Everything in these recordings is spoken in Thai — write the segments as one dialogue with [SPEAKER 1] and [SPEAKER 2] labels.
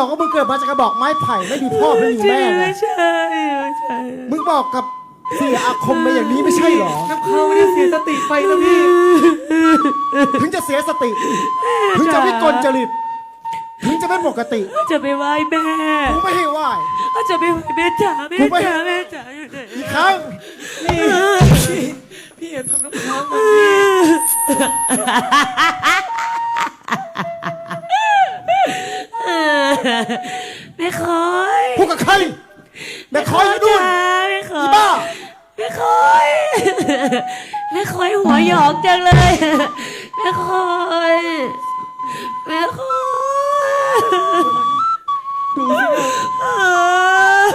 [SPEAKER 1] บอกว่ามึงเกิดมาจากกระบอกไม้ไผ่ไม่มีพ่อไม่มีแม่ไง
[SPEAKER 2] ไม่ใช่ไม่ใช่
[SPEAKER 1] มึงบอกกับเสียอาคมไปอย่างนี้ไม่ใช่หรอ
[SPEAKER 3] น้ำค้างไม่ได้เสียสติไปนะพี่
[SPEAKER 1] ถึงจะเสียสติ ถึงจะวิกลจริต ถึงจะไม่ปกติ
[SPEAKER 2] จะไปไหว้แม่
[SPEAKER 1] กูไม่ให้ไหว
[SPEAKER 2] จะไปไหว้แม่จ๋าแม่
[SPEAKER 1] กูไม่
[SPEAKER 2] จ๋าแม่จ๋าอยู่ไหน
[SPEAKER 1] อีกครั้ง
[SPEAKER 3] พี่อย่าทำน้ำค้างมันพี่
[SPEAKER 2] แม่คอย
[SPEAKER 1] พูดกับใครแม่คอยอยู่นู่น
[SPEAKER 2] แม่คอ
[SPEAKER 1] อี
[SPEAKER 2] ย
[SPEAKER 1] บ้า
[SPEAKER 2] แม่คอยแม่คอยหัวหยอกจังเลย แม่คอยแม่คอย
[SPEAKER 3] ดูสิเนี่ย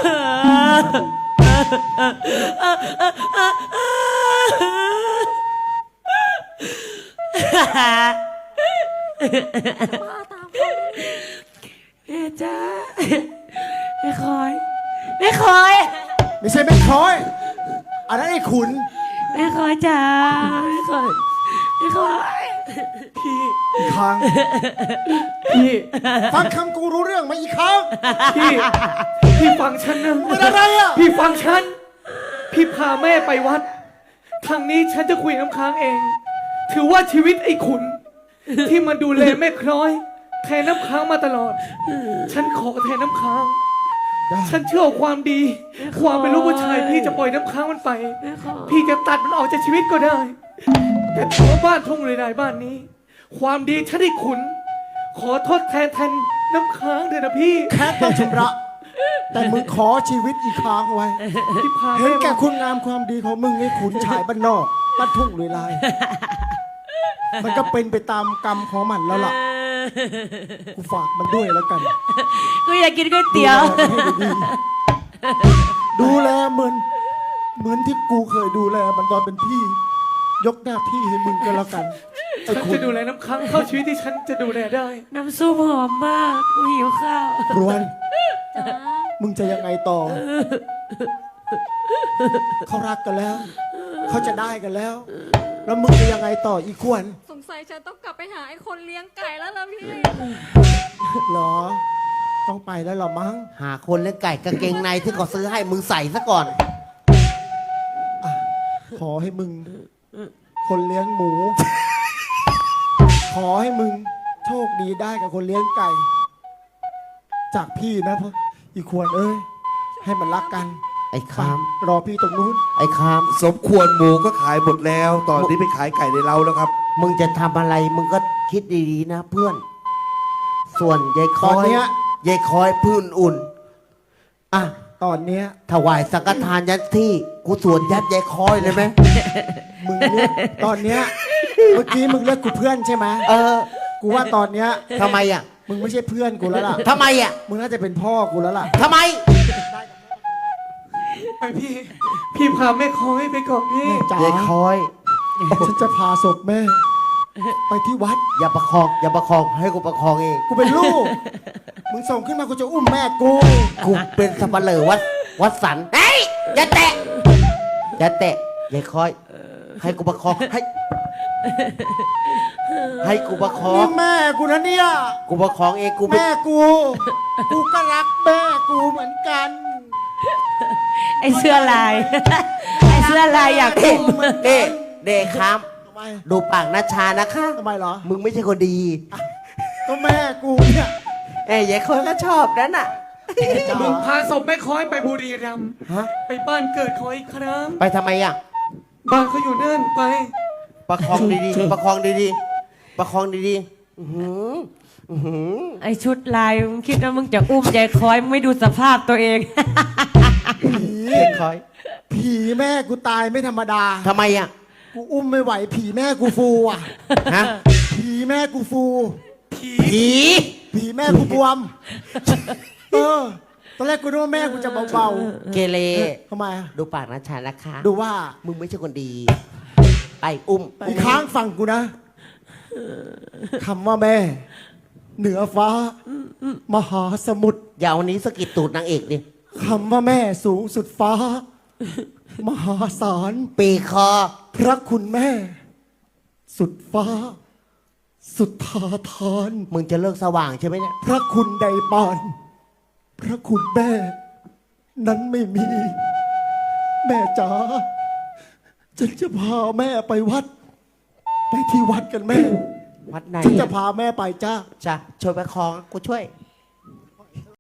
[SPEAKER 2] แม่จ๋าแม่คอยแม่คอย
[SPEAKER 1] ไม่ใช่แม่คอยอันนั้นไอ้ขุน
[SPEAKER 2] แม่คอยจ๋าแม่คอยแม่คอย
[SPEAKER 3] พี่
[SPEAKER 1] อีกครั้ง
[SPEAKER 3] พี่
[SPEAKER 1] ฟังคำกูรู้เรื่องไหมอีกครั้ง
[SPEAKER 3] พี่ฟังฉันนะ
[SPEAKER 1] เป็นอะไรอ่ะ
[SPEAKER 3] พี่ฟังฉัน พี่พาแม่ไปวัด ทางนี้ฉันจะคุยน้ำค้างเอง ถือว่าชีวิตไอ้ขุน ที่มันดูแลแม่คล้อย แทนน้ำค้างมาตลอด ฉันขอแทนน้ำค้าง ฉันเชื่อความดี ความเป็นลูกผู้ชายพี่จะปล่อยน้ำค้างมันไป
[SPEAKER 2] แม่คอย
[SPEAKER 3] พี่จะตัดมันออกจากชีวิตก็ได้ แต่ถือว่าบ้านทุ่งเลยนายบ้านนี้ ความดีฉันได้ขุน ขอโทษแทนน้ำค้างเถอะนะพี่
[SPEAKER 1] แค่ต้องชำระ แต่มึงขอชีวิตอีกครั้งไว้
[SPEAKER 3] พี่พา
[SPEAKER 1] เห็น
[SPEAKER 3] แม่
[SPEAKER 1] แก่
[SPEAKER 3] มา
[SPEAKER 1] คุณงามความดีของมึงไอ้ขุนชายบ้านนอกบ้านทุ่งลุยลาย มันก็เป็นไปตามกรรมของมันแล้วล่ะ กูฝากมันด้วยแล้วกัน
[SPEAKER 2] กูอยากกินก๋วยเตี๋ยว
[SPEAKER 1] ดูแลเหมือนที่กูเคยดูแลมันตอนเป็นพี่ ยกหน้าที่ให้มึงก็แล้วกันไอ้
[SPEAKER 3] ฉัน
[SPEAKER 1] คุ
[SPEAKER 3] จะ
[SPEAKER 1] ณ
[SPEAKER 3] ดูแลน้ำค้างเข้าชีวิตที่ฉันจะดูแลได้
[SPEAKER 2] น้ำซุปหอมมากกูหิวข้าว
[SPEAKER 1] รวนมึงจะยังไงต่อ เขารักกันแล้ว เขาจะได้กันแล้ว แล้วมึงจะยังไงต่ออีกควร
[SPEAKER 4] สงสัยฉันต้องกลับไปหาไอ้คนเลี้ยงไก่แล้วล่ะพี่
[SPEAKER 1] เหรอ ต้องไปแล้วเหรอมั้ง
[SPEAKER 5] หาคนเลี้ยงไก่กางเกงในที่เขาซื้อให้มึงใส่ซะก่อน
[SPEAKER 1] ขอให้มึง คนเลี้ยงหมู ขอให้มึง โชคดีได้กับคนเลี้ยงไก่ จากพี่นะพ่ออีควรเอ้ย ให้มันรักกัน
[SPEAKER 5] ไอ้คาม
[SPEAKER 1] รอพี่ตรงนู้น
[SPEAKER 5] ไอ้คาม
[SPEAKER 6] สมควรหมูก็ขายหมดแล้ว ตอนนี้ไปขายไก่ในเล้าแล้วครับ
[SPEAKER 5] มึงจะทำอะไรมึงก็คิดดีๆนะเพื่อน ส่วนยายค
[SPEAKER 1] ตอน
[SPEAKER 5] อย
[SPEAKER 1] เนี้ย
[SPEAKER 5] ยายคอยพื้นอุ่นอ่ะ
[SPEAKER 1] ตอนเนี้ย
[SPEAKER 5] ถวายสังฆทานยัดที่กูสวนยัดยายคอยเลยไหม
[SPEAKER 1] มึงเรียกตอนเนี้ย เมื่อกี้มึงเรียกกูเพื่อนใช่ไหม
[SPEAKER 5] เออ
[SPEAKER 1] กูว่าตอนเนี้ย
[SPEAKER 5] ทำไมอ่ะ
[SPEAKER 1] มึงไม่ใช่เพื่อนกูแล้วล่ะ
[SPEAKER 5] ทำไมอ่ะ
[SPEAKER 1] มึงน่าจะเป็นพ่อกูแล้วล่ะ
[SPEAKER 5] ทำไม
[SPEAKER 3] ไปพี่พาแม่คอยไปก่อนพี่
[SPEAKER 1] แม่จ๋าย
[SPEAKER 5] ายคอย
[SPEAKER 1] ฉันจะพาศพแม่ ไปที่วัด
[SPEAKER 5] อย่าประคอง อย่าประคองให้กูประคองเอง
[SPEAKER 1] กูเป็นลูก มึงส่งขึ้นมากูจะอุ้มแม่กู
[SPEAKER 5] กูเป็นสับปะเหร่อวัดสันเฮ้ยอย่าแตะอย่าแตะยายคอย ให้กูประคองให้กูประคอ
[SPEAKER 1] นี่
[SPEAKER 5] ง
[SPEAKER 1] แม่กูนะเนี่ย
[SPEAKER 5] กูประคองเองกูไม่
[SPEAKER 1] แม่กู กูก็รักแม่กูเหมือนกัน
[SPEAKER 2] ไอเสื้อลาย ไอเสื้อลายอยาก
[SPEAKER 5] เอ๊ะ
[SPEAKER 2] อุ้ม
[SPEAKER 5] เอ๊ะเด็กครับ
[SPEAKER 1] ทำไม
[SPEAKER 5] ดูปากนาชานะคะ
[SPEAKER 1] ทำไมเหรอ
[SPEAKER 5] มึงไม่ใช่คนดี
[SPEAKER 1] ก็แม่กูเนี่ย
[SPEAKER 5] เอ้ยยายคอยก็ชอบนั่นน่ะ
[SPEAKER 1] จ๋า
[SPEAKER 3] มึงพาศพแม่คอยไปบุรีรัมย์
[SPEAKER 5] ฮะ
[SPEAKER 3] ไปบ้านเกิดของอีกครั้ง
[SPEAKER 5] ไปทำไมอ่ะ
[SPEAKER 3] บ้านเขาอยู่นั่นไป
[SPEAKER 5] ประคองดีๆ ประคองดีๆ ประคองดีๆอื้อหืออื้อหือ
[SPEAKER 2] ไอชุดลายมึงคิดว่ามึงจะอุ้มยายคอยมึงไม่ดูสภาพตัวเอง
[SPEAKER 1] ผี
[SPEAKER 5] ยายคอย
[SPEAKER 1] ผีแม่กูตายไม่ธรรมดา
[SPEAKER 5] ทำไมอ่ะ
[SPEAKER 1] กูอุ้มไม่ไหวผีแม่กูฟูอ่ะ
[SPEAKER 5] ฮะ
[SPEAKER 1] ผีแม่กูฟู
[SPEAKER 5] ผี
[SPEAKER 1] ผีแม่กูบวม เออ ตอนแรกกูนึกว่าแม่กูจะเบา
[SPEAKER 5] เกเร
[SPEAKER 1] ๆทำไมอะ
[SPEAKER 5] ดูปากนาชานะคะ
[SPEAKER 1] ดูว่า
[SPEAKER 5] มึงไม่ใช่คนดี ไปอุ้ม
[SPEAKER 1] อีกครั้งฟังกูนะ คำว่าแม่ เหนือฟ้า มหาสมุทร
[SPEAKER 5] อย่าเอานี้สะกิดตูดนางเอกดิ
[SPEAKER 1] คำว่าแม่สูงสุดฟ้า มหาศาล
[SPEAKER 5] ปีคอ
[SPEAKER 1] พระคุณแม่ สุดฟ้า สุดทาทาน
[SPEAKER 5] มึงจะเลิกสว่างใช่ไหมเนี่ย
[SPEAKER 1] พระคุณใดปานพระคุณแม่ นั้นไม่มี แม่จ๋าฉันจะพาแม่ไปวัด ไปที่วัดกันแม่
[SPEAKER 5] วัดไหน
[SPEAKER 1] ฉันจะพาแม่ไปจ้า
[SPEAKER 5] จ้ะช่วยประคองกูช่วย